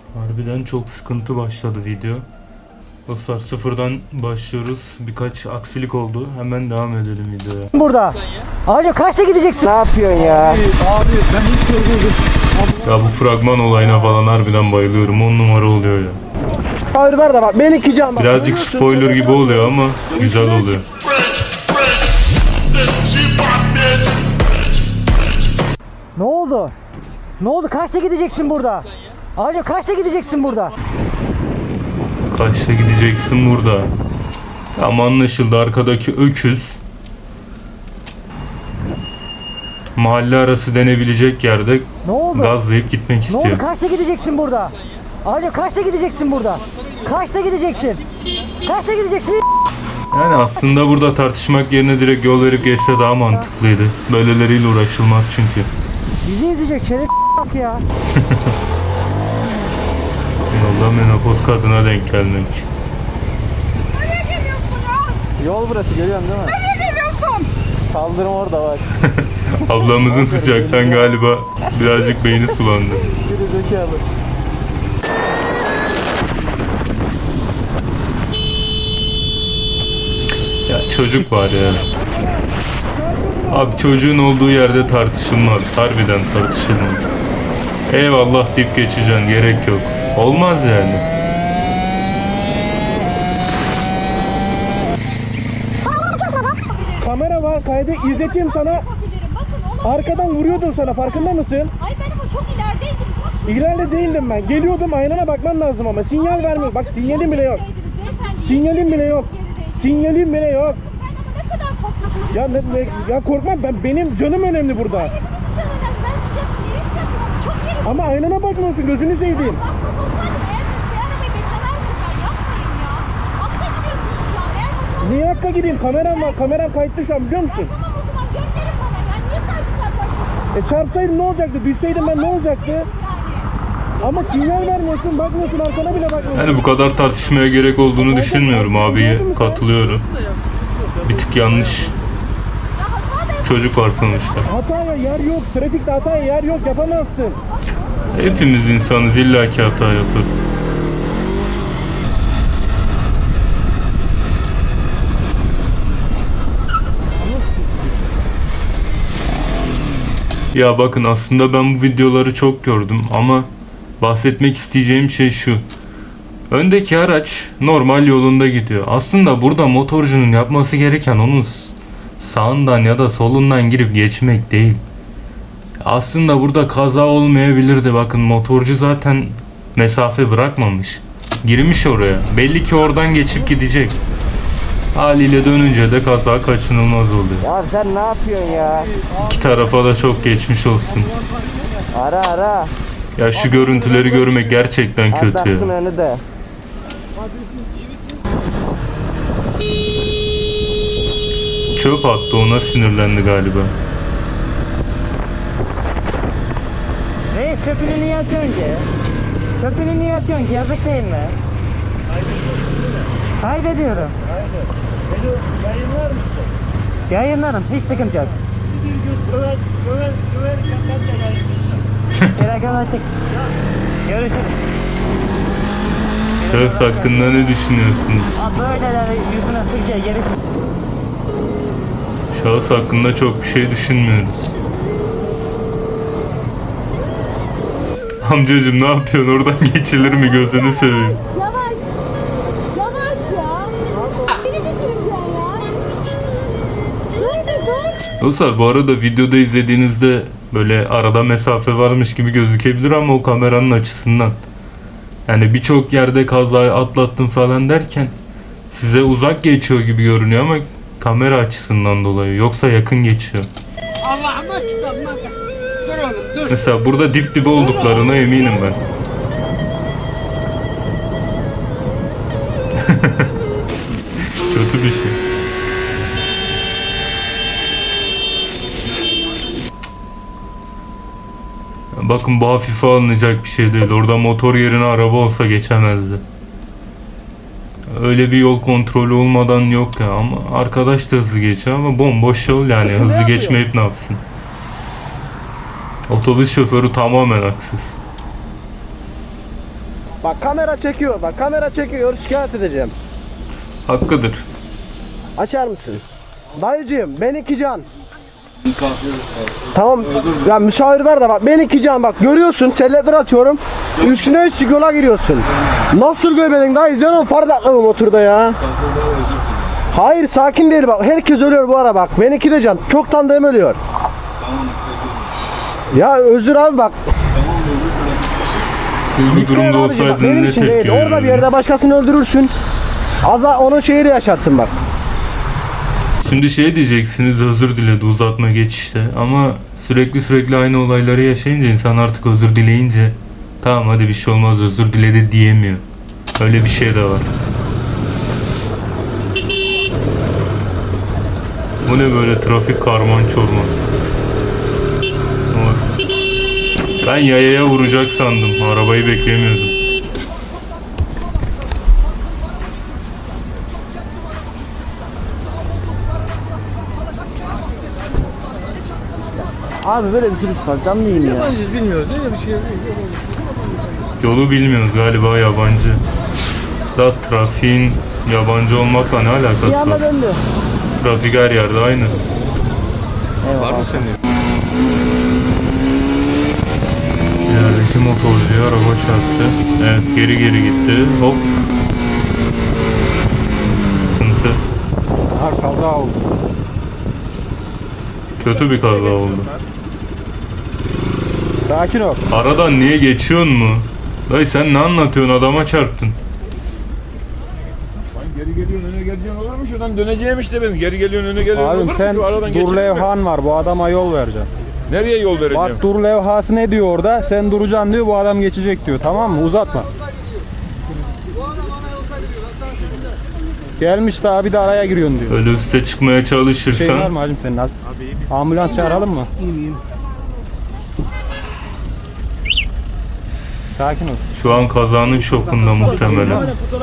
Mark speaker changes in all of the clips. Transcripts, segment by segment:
Speaker 1: Harbiden çok sıkıntı başladı video. Dostlar sıfırdan başlıyoruz. Birkaç aksilik oldu. Hemen devam edelim videoya.
Speaker 2: Burada. Abi kaçta gideceksin?
Speaker 3: Ne yapıyorsun ya?
Speaker 4: Abi ben hiç görmedim.
Speaker 1: Ya bu fragman olayına falan harbiden bayılıyorum. 10 numara oluyor ya.
Speaker 4: Hayır ver de bak ben iki can bak.
Speaker 1: Birazcık spoiler gibi oluyor ama güzel oluyor.
Speaker 2: Ne oldu? Ne oldu? Kaçta gideceksin burada? Abi kaçta gideceksin burada?
Speaker 1: Kaçta gideceksin burada? Tam anlaşıldı, arkadaki öküz mahalle arası denebilecek yerde
Speaker 2: Ne oldu?
Speaker 1: gazlayıp gitmek
Speaker 2: Ne oldu?
Speaker 1: istiyor.
Speaker 2: Kaçta gideceksin burada? Abi kaçta gideceksin burada? Kaçta gideceksin? Kaçta gideceksin?
Speaker 1: Yani aslında burada tartışmak yerine direkt yol verip geçse daha mantıklıydı. Böyleleriyle uğraşılmaz çünkü.
Speaker 2: Bizi izleyecek şeref bak ya.
Speaker 1: Yolda menopoz kadına denk gelmek.
Speaker 5: Nereye geliyorsun ya?
Speaker 4: Yol burası görüyorsun değil mi?
Speaker 5: Nereye geliyorsun?
Speaker 4: Kaldırım orada bak.
Speaker 1: Ablamızın sıcaktan galiba birazcık beyni sulandı.
Speaker 4: Geri zekalı.
Speaker 1: Ya çocuk var ya. Abi çocuğun olduğu yerde tartışılmaz. Harbiden tartışılmaz. Eyvallah deyip geçeceksin. Gerek yok. Olmaz yani.
Speaker 4: Kamera var kaydı izleteyim sana.
Speaker 5: Yapabilirim. Bakın onu.
Speaker 4: Arkadan vuruyordum sana farkında mısın?
Speaker 5: Ay ben ama çok ilerideydim. Bak,
Speaker 4: İleride değildim ben. Geliyordum aynana bakman lazım ama. Sinyal vermiyor. Bak sinyalim bile yok.
Speaker 5: beyefendi.
Speaker 4: Sinyalim bile yok. Sinyalim bile yok.
Speaker 5: Ben ama ne kadar korkmuşum.
Speaker 4: Ya korkma benim canım önemli burada.
Speaker 5: Çok önemli. Ben sıcak yeri istedim. Çok yerim.
Speaker 4: Ama aynana bakmıyorsun gözünü seveyim.
Speaker 5: Bakmak olsaydım eğer bir arabayı beklemezdim ben. Yapmayın ya. Hakka gidiyorsunuz şu an. Eğer bakmak
Speaker 4: Niye hakka gideyim? Kameram var. Kameram kayıtlı şu an biliyor musun?
Speaker 5: tamam o zaman gönderin bana. Yani niye sadece karşılaşıyorsunuz?
Speaker 4: Çarpsaydım ne olacaktı? Düşseydim ben ne olacaktı?
Speaker 5: Yani.
Speaker 4: Ama sinyal vermiyorsun, bakmıyorsun, arkana bile bakmıyorsun.
Speaker 1: Yani bu kadar tartışmaya gerek olduğunu düşünmüyorum abiye. Katılıyorum. Bir tık yanlış.
Speaker 5: Ya hata da
Speaker 1: Çocuk var sonuçta.
Speaker 4: Hataya yer yok, trafikte hataya yer yok, yapamazsın.
Speaker 1: Hepimiz insanız, illaki hata yaparız. Ya bakın aslında ben bu videoları çok gördüm ama bahsetmek isteyeceğim şey şu. Öndeki araç normal yolunda gidiyor. Aslında burada motorcunun yapması gereken onun sağından ya da solundan girip geçmek değil. Aslında burada kaza olmayabilirdi. Bakın motorcu zaten mesafe bırakmamış. Girmiş oraya. Belli ki oradan geçip gidecek. Haliyle dönünce de kaza kaçınılmaz oluyor.
Speaker 3: Ya sen ne yapıyorsun ya?
Speaker 1: İki tarafa da çok geçmiş olsun.
Speaker 3: Ara.
Speaker 1: Ya şu görüntüleri görmek gerçekten kötü ya.
Speaker 3: Atlattın önü de.
Speaker 1: Çöp attı, ona sinirlendi galiba.
Speaker 2: Reis çöpünü niye atıyorsun ki? Çöpünü niye atıyorsun ki? Yazık değil mi? Kaydediyorum.
Speaker 4: Yayınlar mısın?
Speaker 2: Yayınlarım. Hiç sıkıntı yok. Telefon açık. Görüşürüz.
Speaker 1: Şahıs hakkında ne düşünüyorsunuz?
Speaker 2: Abi böyleleri yüzüne sıkça geri.
Speaker 1: Şahıs hakkında çok bir şey düşünmüyoruz. Amcacım ne yapıyorsun? Oradan geçilir mi? Gözünü seveyim.
Speaker 5: Yavaş. Yavaş ya. Beni bitireceksin ya. Dur bir dur.
Speaker 1: Dostlar bu arada videoda izlediğinizde böyle arada mesafe varmış gibi gözükebilir ama o kameranın açısından. Yani birçok yerde kazayı atlattım falan derken size uzak geçiyor gibi görünüyor ama kamera açısından dolayı. Yoksa yakın geçiyor.
Speaker 6: Allah'ıma çıkarmaz. Dur oğlum dur.
Speaker 1: Mesela burada dip dibe olduklarına eminim ben. Kötü bir şey. Bakın bu hafife alınacak bir şey değil. Orada motor yerine araba olsa geçemezdi. Öyle bir yol kontrolü olmadan yok ya, ama arkadaş da hızlı geçiyor ama bomboş yol yani, hızlı geçmeyip ne yapsın? Otobüs şoförü tamamen haksız.
Speaker 4: Bak kamera çekiyor. Bak kamera çekiyor. Şikayet edeceğim.
Speaker 1: Hakkıdır.
Speaker 4: Açar mısın? Dayıcığım ben iki can. Tamam ya müşavir ver de bak ben iki can bak görüyorsun selletler atıyorum üstüne yola giriyorsun. Nasıl göbeğin dayı izliyorsun far dakika bu motorda ya. Hayır sakin değil bak herkes ölüyor bu ara bak ben iki de can çok tanıdığım ölüyor. Ya özür abi bak.
Speaker 1: Siz bu durumda
Speaker 4: Abicim, bak,
Speaker 1: olsaydın
Speaker 4: benim
Speaker 1: ne
Speaker 4: için
Speaker 1: tepki
Speaker 4: değil orada bir
Speaker 1: verirdin?
Speaker 4: yerde başkasını öldürürsün. Onun şeyiyle yaşarsın bak.
Speaker 1: Şimdi şey diyeceksiniz, özür diledi uzatma geçişte, ama sürekli aynı olayları yaşayınca insan artık özür dileyince tamam hadi bir şey olmaz özür diledi diyemiyor. Öyle bir şey de var. Bu ne böyle trafik karman çorman. Oy. Ben yayaya vuracak sandım. Arabayı beklemiyordum.
Speaker 3: Abi böyle bir sürüş var. Canlı yiyeyim ya.
Speaker 1: Yolu bilmiyoruz galiba, yabancı. Da trafiğin yabancı olmakla ne alakası
Speaker 3: Bir
Speaker 1: var?
Speaker 3: anda döndü.
Speaker 1: Trafik her yerde aynı.
Speaker 3: Eyvallah.
Speaker 1: İlerideki motorcuya araba çarptı. Evet, geri gitti. Hop. Sıkıntı.
Speaker 2: Kaza oldu.
Speaker 1: Kötü bir kaza oldu.
Speaker 2: Sakin ol.
Speaker 1: Aradan niye geçiyorsun mu? Dayı sen ne anlatıyorsun, adama çarptın.
Speaker 7: Geri geliyorsun öne geleceksin olur mu? Şuradan döneceğim işte benim. Geri geliyorsun öne geliyorsun olur
Speaker 2: Abim
Speaker 7: mu?
Speaker 2: sen
Speaker 7: Şu aradan
Speaker 2: dur
Speaker 7: geçelim mi?
Speaker 2: levhan var bu adama yol vereceksin.
Speaker 7: Nereye yol vereceğim?
Speaker 2: Bak dur levhası ne diyor orada? Sen duracaksın diyor bu adam geçecek diyor tamam mı? Uzatma. Gelmiş daha bir de araya giriyorsun diyor.
Speaker 1: Öyle üste çıkmaya
Speaker 2: Şey var
Speaker 1: çalışırsan
Speaker 2: mı hacım senin? Ambulans çağıralım mı? İyiyim. Sakin ol.
Speaker 1: şu an kazanın şokunda muhtemelen.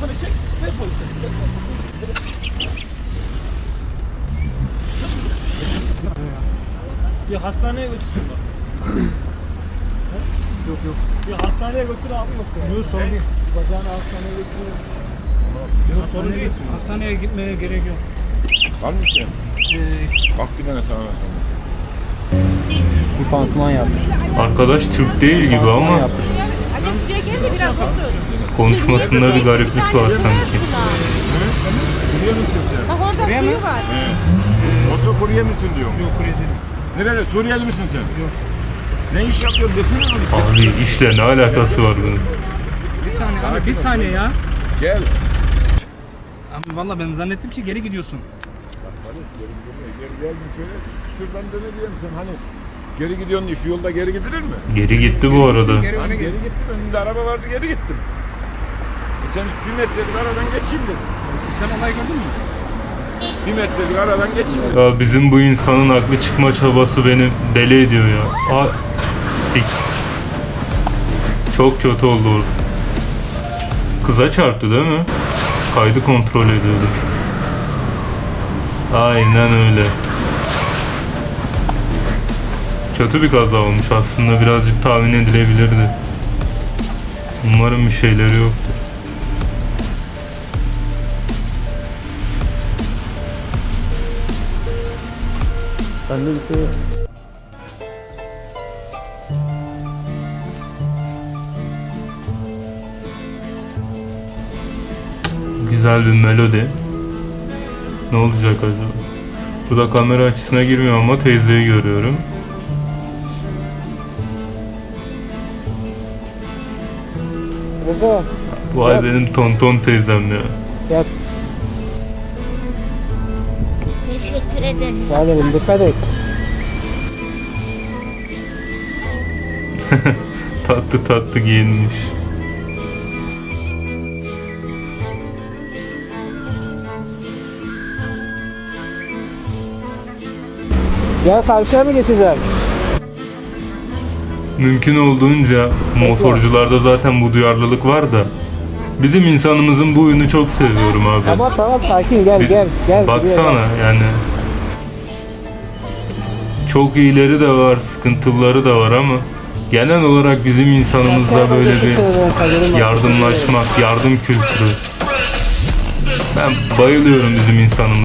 Speaker 8: Bir hastaneye götürsün bak. Yok. Bir hastaneye götür abi. Yok sorun değil. Bacağını hastaneye götürüyoruz. Yok sorun değil. Hastaneye gitmeye gerek yok.
Speaker 7: Var mı şey? Bak bir tane sana bakalım.
Speaker 2: Bir pansuman yapmış.
Speaker 1: Arkadaş Türk değil gibi
Speaker 2: Pansuman
Speaker 1: ama
Speaker 2: yapmış.
Speaker 5: Anne şuraya gel de biraz otur.
Speaker 1: konuşmasında bir gariplik var sanki.
Speaker 7: Kurye misin sen?
Speaker 5: Bak orada suyu var.
Speaker 7: Motor kurye misin diyorum.
Speaker 8: Yok kurye değil.
Speaker 7: Nereli? Suriyeli misin sen? Yok. Ne iş yapıyorsun desene abi.
Speaker 1: Abi işle ne alakası var bunun?
Speaker 8: Bir saniye abi bir saniye ya.
Speaker 7: Gel.
Speaker 8: Abi valla ben zannettim ki geri gidiyorsun.
Speaker 7: Gel bir şöyle. Şuradan döneceğim sen hani. Geri gidiyorsun diye şu yolda geri gidilir mi?
Speaker 1: Geri gitti bu arada.
Speaker 7: Hani geri gittim önümde araba vardı geri gittim. Sen bir metrelik aradan geçeyim dedim.
Speaker 8: Sen olayı gördün mü?
Speaker 7: Bir metrelik aradan geçeyim dedim.
Speaker 1: Ya bizim bu insanın haklı çıkma çabası beni deli ediyor ya. Sik. Çok kötü oldu orada. Kıza çarptı değil mi? Kaydı kontrol ediyordu. Aynen öyle. Kötü bir kaza olmuş aslında, birazcık tahmin edilebilirdi. Umarım bir şeyleri yoktur.
Speaker 3: Ben de bir şey yok.
Speaker 1: Güzel bir melodi. Ne olacak acaba? Burada kamera açısına girmiyor ama teyzeyi görüyorum.
Speaker 3: Baba.
Speaker 1: Vay benim tonton teyzem ya.
Speaker 5: Teşekkür ederim.
Speaker 3: Geldim dikkat et.
Speaker 1: Tatlı giyinmiş.
Speaker 3: Ya karşıya mı geçeceğim?
Speaker 1: Mümkün olduğunca motorcularda zaten bu duyarlılık var da bizim insanımızın bu huyunu çok seviyorum abi.
Speaker 3: Tamam sakin gel
Speaker 1: Bir-
Speaker 3: gel.
Speaker 1: Baksana yani. Çok iyileri de var, sıkıntıları da var ama Genel olarak bizim insanımızda böyle bir yardımlaşmak, yardım kültürü. Ben bayılıyorum bizim insanımıza.